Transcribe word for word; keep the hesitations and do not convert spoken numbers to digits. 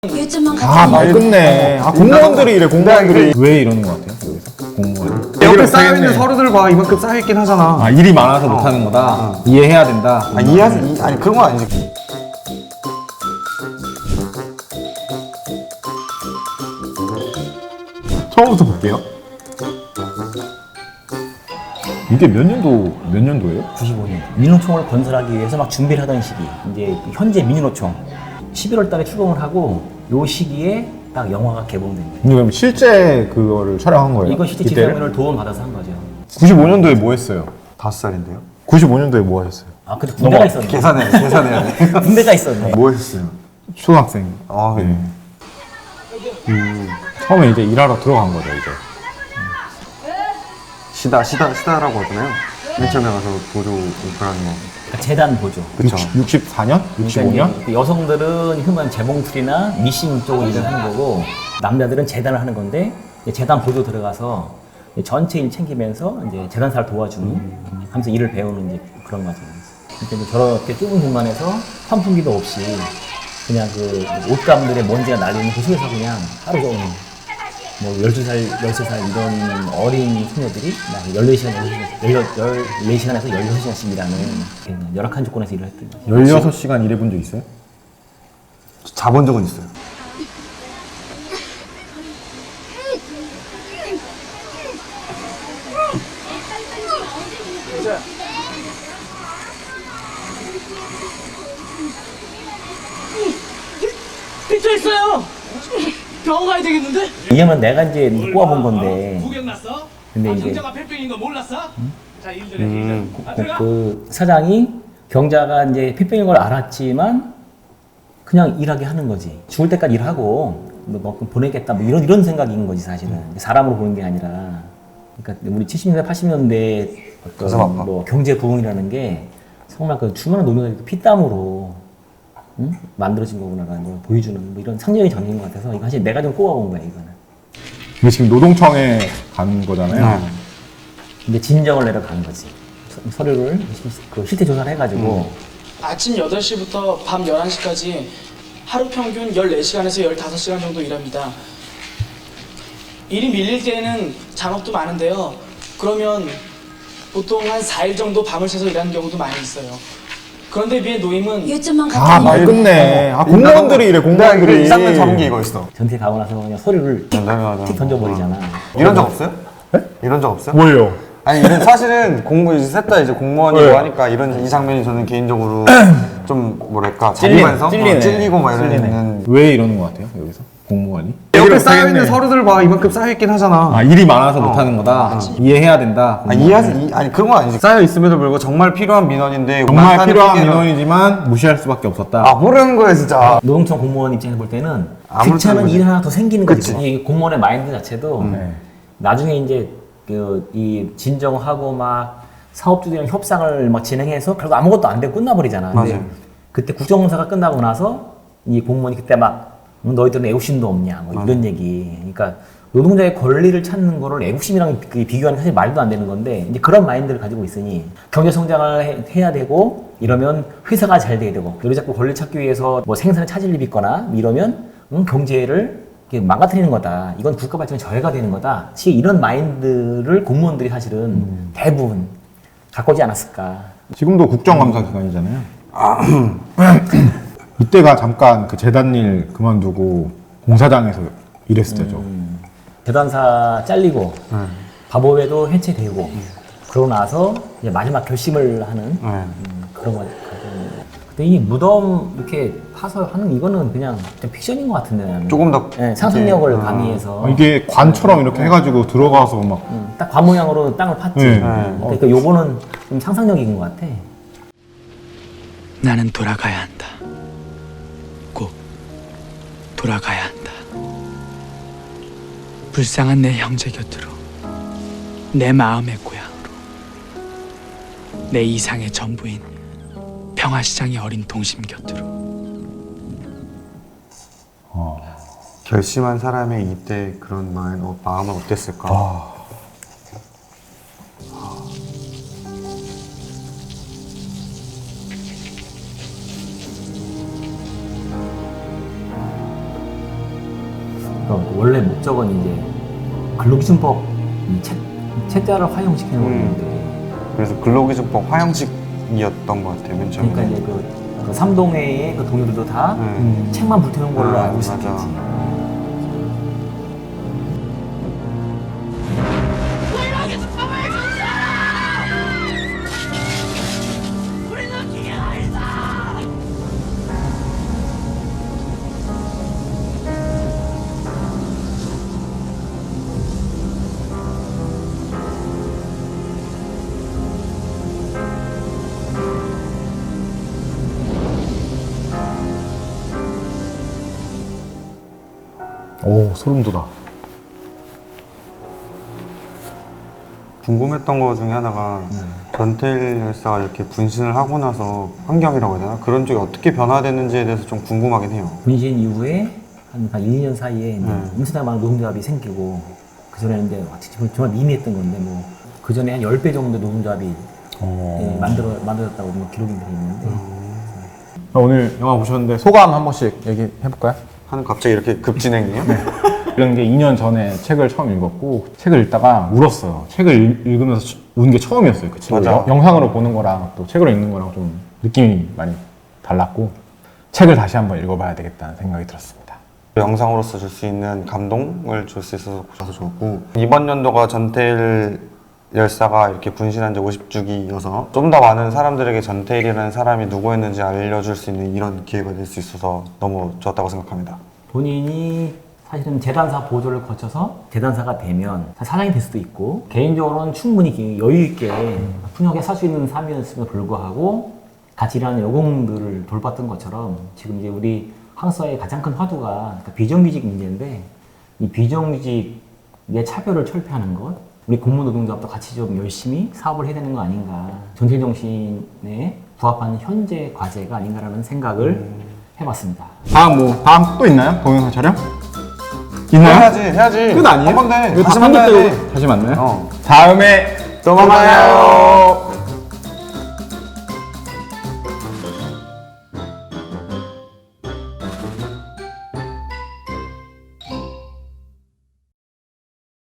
아, 말 끝내. 아, 공무원들이 이래, 공무원들이. 왜 이러는 것 같아요, 여기서? 공무원이. 옆에 쌓여있는 서류들 봐. 이만큼 쌓여있긴 하잖아. 아, 일이 많아서 못하는 거다? 이해해야 된다? 아, 이해하지. 이- 아니, 그런 건 아니지. 처음부터 볼게요. 이게 몇 년도, 몇 년도예요? 구십오 년 민노총을 건설하기 위해서 막 준비를 하던 시기. 이제 현재 민노총 십일월 달에 출범을 하고 요 시기에 딱 영화가 개봉된 거예요. 근데 그럼 실제 그거를 촬영한 거예요? 이거 실제 이때를? 지상면을 도움 받아서 한 거죠. 구십오 년도에 뭐 했어요? 다섯 살인데요? 구십오 년도에 뭐 하셨어요? 아 근데 군대가 있었네. 계산해, 계산해야 돼. 군대가 있었네. 뭐 했어요? 초등학생. 아, 네. 네. 음. 처음에 이제 일하러 들어간 거죠, 이제. 시다, 시다, 시다라고 하잖아요. 맨 처음에 가서 보조 그런 거. 그러니까 재단 보조. 그쵸. 육십사 년? 육십오 년? 그러니까 이제 여성들은 흔한 재봉틀이나 미싱 쪽으로 일을 하는 거고 남자들은 재단을 하는 건데 이제 재단 보조 들어가서 이제 전체 일 챙기면서 이제 재단사를 도와주는 하면서 일을 배우는 이제 그런 과정이었어요. 그러니까 이제 저렇게 좁은 공간에서 환풍기도 없이 그냥 그 옷감들의 먼지가 날리는 그 속에서 그냥 하루 종일 뭐 열두 살, 열세 살 이런 어린 소녀들이 막 열네 시간, 열네 시간에서 열여섯 시간씩 일하는 열악한 조건에서 일을 했던 거죠. 열여섯 시간 일해본 적 있어요? 자본 적은 있어요. 삐쳐있어요! 병원 가야 되겠는데? 이게만 내가 이제 꼬아본 건데 구경 났어? 근데 아, 이제- 경자가 폐병인 거 몰랐어? 자, 일들 해, 일들. 아, 그, 들어가. 그 사장이 경자가 이제 폐병인 걸 알았지만 그냥 일하게 하는 거지. 죽을 때까지 일하고 뭐, 뭐 보내겠다 뭐 이런 이런 생각인 거지 사실은. 사람으로 보는 게 아니라. 그러니까 우리 칠십 년대 팔십 년대 가슴 아파. 어떤 뭐 경제 부흥이라는 게 정말 그 수많은 노동자들이 피땀으로 응? 만들어진 거구나라는 걸 보여주는 뭐 이런 상징이 담긴 것 같아서 이거 사실 내가 좀 꼽아본 거야 이거는. 이게 지금 노동청에 간 거잖아요. 네. 이제 진정을 내려가는 거지. 서- 서류를 그 실태 조사를 해가지고 아침 여덟 시부터 밤 열한 시까지 하루 평균 열네 시간에서 열다섯 시간 정도 일합니다. 일이 밀릴 때에는 잔업도 많은데요. 그러면 보통 한 사 일 정도 밤을 새서 일하는 경우도 많이 있어요. 그런데 비해 노임은 요즘만 아, 말 끝내. 아, 공무원들이 이래, 공무원들이. 이상면 잡은 게 이거 있어. 전태 가고 나서 그냥 서류를 틱, 맞아, 맞아. 틱 던져버리잖아. 이런 적 없어요? 이런 적 없어요? 뭐예요? 아니, 이런 사실은 공무, 이제 셋 다 이제 공무원이고 네. 하니까 이런 이 장면이 저는 개인적으로 좀 뭐랄까, 찔리네, 자기만성? 찔리네. 어, 찔리고 막 찔리네. 이러는. 왜 이러는 것 같아요, 여기서? 공무원이? 옆에 쌓여있는 서류들 봐. 이만큼 쌓여있긴 하잖아. 아, 일이 많아서 못하는 거다? 이해해야 된다? 아, 이해하지. 이- 아니, 그런 건 아니지. 쌓여있음에도 불구하고 정말 필요한 민원인데. 정말 많다는 필요한 핑계로- 민원이지만 무시할 수밖에 없었다. 아, 모르는 거야, 진짜. 노동청 공무원 입장에서 볼 때는 아무렇지 귀찮은 않은 일 하나 더 생기는 거지. 그치. 이 공무원의 마인드 자체도 네. 나중에 이제 그 이 진정하고 막 사업주들이랑 협상을 막 진행해서 결국 아무것도 안 되고 끝나버리잖아. 근데 맞아요. 그때 국정감사가 끝나고 나서 이 공무원이 그때 막 음, 너희들은 애국심도 없냐 뭐 이런 얘기. 그러니까 노동자의 권리를 찾는 거를 애국심이랑 비- 비교하는 게 사실 말도 안 되는 건데 이제 그런 마인드를 가지고 있으니 경제 성장을 해, 해야 되고 이러면 회사가 잘 돼야 되고 너희 자꾸 권리 찾기 위해서 뭐 생산에 차질이 있거나 이러면 음, 경제를 이렇게 망가뜨리는 거다. 이건 국가 발전에 저해가 되는 거다. 시 이런 마인드를 공무원들이 사실은 대부분 갖고 오지 않았을까. 지금도 국정감사 기간이잖아요. 이때가 잠깐 그 재단 일 그만두고 공사장에서 일했을 때죠. 재단사 잘리고 바보회도 해체되고 그러고 나서 이제 마지막 결심을 하는 네. 음, 그런 거. 근데 이 무덤 이렇게 파서 하는 이거는 그냥 좀 픽션인 것 같은데 나는. 조금 더 네, 상상력을 이렇게, 가미해서 아, 이게 관처럼 이렇게 해가지고 들어가서 막 음, 딱 관 모양으로 땅을 팠지. 네. 어, 그러니까 요거는 좀 상상력인 것 같아. 나는 돌아가야 한다. 꼭 돌아가야 한다. 불쌍한 내 형제 곁으로, 내 마음의 고향으로, 내 이상의 전부인 평화시장의 어린 동심 곁으로. 결심한 사람의 이때 그런 마음, 어, 마음은 어땠을까? 아. 그러니까 원래 목적은 이제 근로기준법 이 채, 채자를 화형시키는 음. 건데 그래서 근로기준법 화형식이었던 것 같아요, 맨 처음에. 그러니까 이제 그, 그 삼동회의 그 동료들도 다 네. 책만 불태운 걸로 아, 알고 맞아. 있었겠지. 오 소름 돋아. 궁금했던 거 중에 하나가 전태일 열사가 이렇게 분신을 하고 나서 환경이라고 해야 되나? 그런 쪽이 어떻게 변화됐는지에 대해서 좀 궁금하긴 해요. 분신 이후에 한, 한 일, 이 년 사이에 이제 음. 엄청나게 많은 노동조합이 생기고 그전에는 이제 와, 정말, 정말 미미했던 건데 뭐 그전에 한 십 배 정도 노동조합이 예, 만들어, 만들었다고 뭐 기록인들이 있는데 오늘 영화 보셨는데 소감 한 번씩 얘기해볼까요? 하는 갑자기 이렇게 급진행이에요? 이런 게 이 년 전에 책을 처음 읽었고 책을 읽다가 울었어요. 책을 읽- 읽으면서 운 게 처음이었어요. 그 책을 맞아. 영- 영상으로 보는 거랑 또 책으로 읽는 거랑 좀 느낌이 많이 달랐고 책을 다시 한번 읽어봐야 되겠다는 생각이 들었습니다. 영상으로서 줄 수 있는 감동을 줄 수 있어서 보셔서 좋았고, 이번 연도가 전태일 열사가 이렇게 분신한 지 오십 주기여서 좀 더 많은 사람들에게 전태일이라는 사람이 누구였는지 알려줄 수 있는 이런 기회가 될 수 있어서 너무 좋았다고 생각합니다. 본인이 사실은 재단사 보조를 거쳐서 재단사가 되면 사장이 될 수도 있고 개인적으로는 충분히 여유 있게 풍요하게 살 수 있는 삶이었음에도 불구하고 같이 일하는 여공들을 돌봤던 것처럼 지금 이제 우리 한국 사회의 가장 큰 화두가 그러니까 비정규직 문제인데 이 비정규직의 차별을 철폐하는 것, 우리 공무원 노동조합도 같이 좀 열심히 사업을 해야 되는 거 아닌가, 전태일 정신에 부합하는 현재 과제가 아닌가라는 생각을 해봤습니다. 다음 뭐 다음 또 있나요? 동영상 촬영? 있나요? 해야지, 해야지. 끝 아니에요? 한 건데 이거 다시 다 만나야 돼. 편집되고 다시 만나요? 어. 다음에 또 만나요.